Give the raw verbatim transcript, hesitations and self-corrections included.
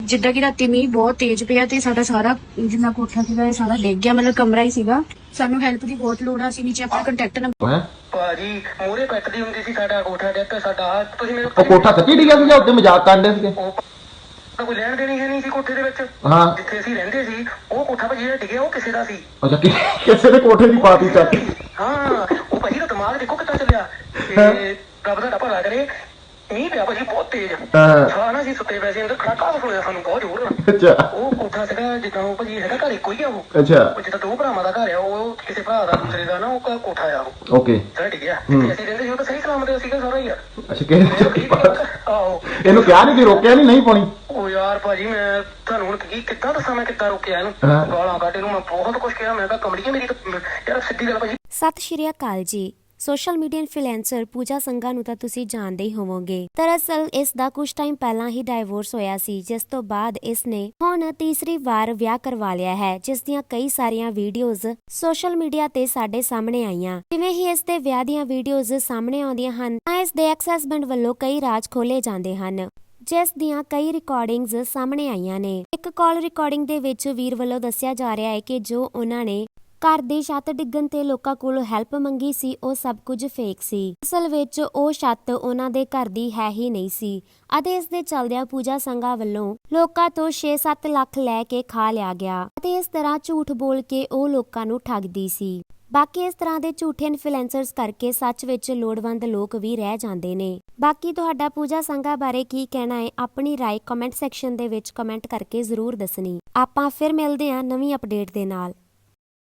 ਜਿੱਦਾਂ ਕਿ ਰਾਤੀ ਮੀਂਹ ਬਹੁਤ ਤੇਜ਼ ਪਿਆ ਤੇ ਸਾਡਾ ਸਾਰਾ ਜਿੰਨਾ ਕੋਠਾ ਸੀਗਾ ਇਹ ਸਾਰਾ ਡਿੱਗ ਗਿਆ, ਮਤਲਬ ਕਮਰਾ ਹੀ ਸੀਗਾ। ਸਾਨੂੰ ਹੈਲਪ ਦੀ ਬਹੁਤ ਲੋੜ ਆ। ਅਸੀਂ ਨੀਚੇ ਆਪਣਾ ਕੰਟੈਕਟ ਨੰਬਰ ਭਾਜੀ ਮੂਹਰੇ ਪੈਟਦੀ ਹੁੰਦੀ ਸੀ, ਸਾਡਾ ਕੋਠਾ ਡਿੱਗ ਪਿਆ ਸਾਡਾ। ਤੁਸੀਂ ਮੇਰੇ ਉਹ ਕੋਠਾ ਸੱਚੀ ਡਿੱਗਿਆ ਸੀਗਾ? ਉੱਤੇ ਮਜ਼ਾਕ ਕਰਦੇ ਸੀਗੇ? ਕੋਈ ਲੈਣ ਦੇਣੀ ਹੈ ਨਹੀਂ ਸੀ ਕੋਠੇ ਦੇ ਵਿੱਚ। ਹਾਂ, ਜਿੱਥੇ ਅਸੀਂ ਰਹਿੰਦੇ ਸੀ ਉਹ ਕੋਠਾ ਭਾਜੀ ਜਿਹੜਾ ਡਿੱਗਿਆ ਉਹ ਕਿਸੇ ਦਾ ਸੀ। ਅੱਛਾ, ਕਿਸੇ ਦੇ ਕੋਠੇ ਦੀ ਪਾਤੀ ਚੱਕ। ਹਾਂ, ਉਹ ਭਾਜੀ ਦਾ ਦਿਮਾਗ ਦੇਖੋ ਕਿੱਦਾਂ ਚੱਲਿਆ। ਤੇ ਰੱਬ ਦਾ ਭਲਾ ਕਰੇ। ਮੀਂਹ ਪਿਆ ਭਾਜੀ ਬਹੁਤ ਤੇਜ਼। ਹਾਂ ਨਾ, ਅਸੀਂ ਸੁੱਤੇ ਪਏ ਸੀ ਅੰਦਰ, ਖੜਾਕਾ ਸੁਣਿਆ ਸਾਨੂੰ ਬਹੁਤ ਜ਼ੋਰ ਨਾਲ। ਅੱਛਾ, ਉਹ ਕੋਠਾ ਸੀਗਾ ਜਿੱਦਾਂ ਉਹ ਭਾਜੀ ਹੈਗਾ ਘਰ ਇੱਕੋ ਹੀ ਆ ਉਹ। ਅੱਛਾ, ਉਹ ਜਿੱਦਾਂ ਦੋ ਭਰਾਵਾਂ ਦਾ ਘਰ ਆ, ਉਹ ਕਿਸੇ ਭਰਾ ਦਾ ਦੂਸਰੇ ਦਾ ਨਾ ਉਹ ਕੋਠਾ ਆ ਉਹ। ਓਕੇ, ਸਾਡਾ ਡਿੱਗਿਆ ਤੇ ਅਸੀਂ ਰਹਿੰਦੇ ਸੀ ਉਹ ਤਾਂ ਸਹੀ ਸਲਾਮਤ ਸੀਗਾ ਸਾਰਾ ਯਾਰ। ਅੱਛਾ, ਕਿਹਨੇ ਆਹੋ, ਇਹਨੂੰ ਕਿਹਾ ਨਹੀਂ, ਰੋਕਿਆ ਨਹੀਂ? ਨਹੀਂ ਪਾਉਣੀ। ਉਹ ਯਾਰ ਭਾਜੀ ਮੈਂ ਤੁਹਾਨੂੰ ਹੁਣ ਕੀ ਕਿੱਦਾਂ ਦੱਸਾਂ, ਮੈਂ ਕਿੱਦਾਂ ਰੋਕਿਆ ਇਹਨੂੰ। ਗਾਲਾਂ ਕੱਢ ਇਹਨੂੰ, ਮੈਂ ਬਹੁਤ ਕੁਛ ਕਿਹਾ। ਮੈਂ ਕਿਹਾ ਕਮੜੀਏ ਮੇਰੀ ਤਾਂ ਯਾਰ ਸਿੱਧੀ ਗੱਲ ਭਾਜੀ। ਸਤਿ ਸ਼੍ਰੀ ਅਕਾਲ ਜੀ। Social media influencer Puja Sangha ਨੂੰ ਤਾਂ ਤੁਸੀਂ ਜਾਣਦੇ ਹੀ ਹੋਵੋਗੇ। ਦਰਅਸਲ ਇਸ ਦਾ ਕੁਝ ਟਾਈਮ ਪਹਿਲਾਂ ਹੀ ਡਾਈਵੋਰਸ ਹੋਇਆ ਸੀ, ਜਿਸ ਤੋਂ ਬਾਅਦ ਇਸ ਨੇ ਹੁਣ ਤੀਸਰੀ ਵਾਰ ਵਿਆਹ ਕਰਵਾ ਲਿਆ ਹੈ, ਜਿਸ ਦੀਆਂ ਕਈ ਸਾਰੀਆਂ ਵੀਡੀਓਜ਼ ਸੋਸ਼ਲ ਮੀਡੀਆ ਤੇ ਸਾਡੇ ਸਾਹਮਣੇ ਆਈਆਂ। ਜਿਵੇਂ ਹੀ ਇਸ ਦੇ ਵਿਆਹ ਦੀਆਂ ਵੀਡੀਓਜ਼ ਸਾਹਮਣੇ ਆਉਂਦੀਆਂ ਹਨ ਤਾਂ ਇਸ ਦੇ ਐਕਸ ਹਸਬੈਂਡ ਵੱਲੋਂ ਕਈ ਰਾਜ਼ ਖੋਲੇ ਜਾਂਦੇ ਹਨ, ਜਿਸ ਦੀਆਂ ਕਈ ਰਿਕਾਰਡਿੰਗਜ਼ ਸਾਹਮਣੇ ਆਈਆਂ ਨੇ। ਇੱਕ ਕਾਲ ਰਿਕਾਰਡਿੰਗ ਦੇ ਵਿੱਚ ਵੀਰ ਵੱਲੋਂ ਦੱਸਿਆ ਜਾ ਰਿਹਾ ਹੈ ਕਿ ਜੋ ਉਹਨਾਂ ਨੇ ਘਰ ਦੀ ਛੱਤ ਡਿੱਗਣ ਤੇ ਲੋਕਾਂ ਕੋਲੋਂ ਹੈਲਪ ਮੰਗੀ ਸੀ, ਉਹ ਸਭ ਕੁਝ ਫੇਕ ਸੀ। ਅਸਲ ਵਿੱਚ ਉਹ ਛੱਤ ਉਹਨਾਂ ਦੇ ਘਰ ਦੀ ਹੈ ਹੀ ਨਹੀਂ ਸੀ ਅਤੇ ਇਸ ਦੇ ਚੱਲਦਿਆਂ ਪੂਜਾ ਸੰਘਾ ਵੱਲੋਂ ਲੋਕਾਂ ਤੋਂ ਛੇ ਸੱਤ ਲੱਖ ਲੈ ਕੇ ਖਾ ਲਿਆ ਗਿਆ ਅਤੇ ਇਸ ਤਰ੍ਹਾਂ ਝੂਠ ਬੋਲ ਕੇ ਉਹ ਲੋਕਾਂ ਨੂੰ ਠੱਗਦੀ ਸੀ। ਬਾਕੀ ਇਸ ਤਰ੍ਹਾਂ ਦੇ ਝੂਠੇ ਇਨਫਲੂਐਂਸਰਸ ਕਰਕੇ ਸੱਚ ਵਿੱਚ ਲੋੜਵੰਦ ਲੋਕ ਵੀ ਰਹਿ ਜਾਂਦੇ ਨੇ। ਬਾਕੀ ਤੁਹਾਡਾ ਪੂਜਾ ਸੰਘਾ ਬਾਰੇ ਕੀ ਕਹਿਣਾ ਹੈ? ਆਪਣੀ ਰਾਏ ਕਮੈਂਟ ਸੈਕਸ਼ਨ ਦੇ ਵਿੱਚ ਕਮੈਂਟ ਕਰਕੇ ਜ਼ਰੂਰ ਦੱਸਣੀ। ਆਪਾਂ ਫਿਰ ਮਿਲਦੇ ਹਾਂ ਨਵੀਂ ਅਪਡੇਟ ਦੇ ਨਾਲ।